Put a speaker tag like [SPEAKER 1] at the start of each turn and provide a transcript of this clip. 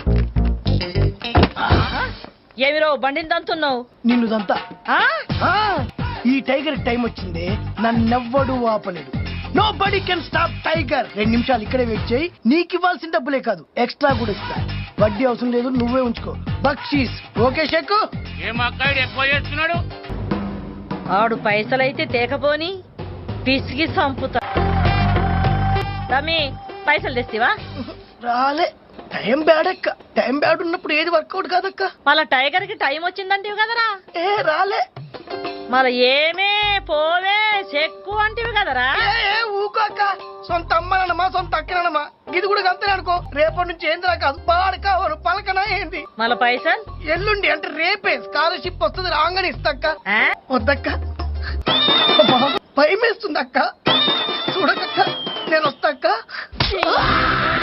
[SPEAKER 1] ఏమిరో బండిని దంతున్నావు?
[SPEAKER 2] నిన్ను దంతా. ఈ టైగర్ టైం వచ్చింది, నన్నెవ్వడు ఆపలేడు. Nobody can stop tiger. 2 నిమిషాలు ఇక్కడే వెయిట్ చేయి, నీకు ఇవ్వాల్సిన డబ్బులే కాదు ఎక్స్ట్రా కూడా ఇస్తా. వడ్డీ అవసరం లేదు, నువ్వే ఉంచుకో. బక్షీస్ ఓకే షెక్కు.
[SPEAKER 1] ఆడు పైసలైతే తేకపోని పిసిగి సంపుతా. తమ్మి పైసలు తెస్తివా?
[SPEAKER 2] రాలే, టైం బ్యాడ్ అక్క. టైం బ్యాడ్ ఉన్నప్పుడు ఏది వర్కౌట్ కాదక్క.
[SPEAKER 1] మళ్ళా టైగర్ కి టైం వచ్చిందంటివి కదరా?
[SPEAKER 2] రాలే.
[SPEAKER 1] మళ్ళా ఏమే పోవే చెక్కు అంటివి కదరా?
[SPEAKER 2] ఊకోక. సొంత అమ్మనమ్మా, సొంత అక్కనమ్మా, ఇది కూడా అంతే అనుకో. రేపటి నుంచి ఏందిరా కాదు, పాడకావరు పలకనా ఏంది.
[SPEAKER 1] మళ్ళా పైసలు
[SPEAKER 2] ఎల్లుండి అంటే రేపే స్కాలర్షిప్ వస్తుంది, రాగానే ఇస్తాక్క. వద్దక్క, భయం వేస్తుంది అక్క. చూడకక్క, నేను వస్తాక్క.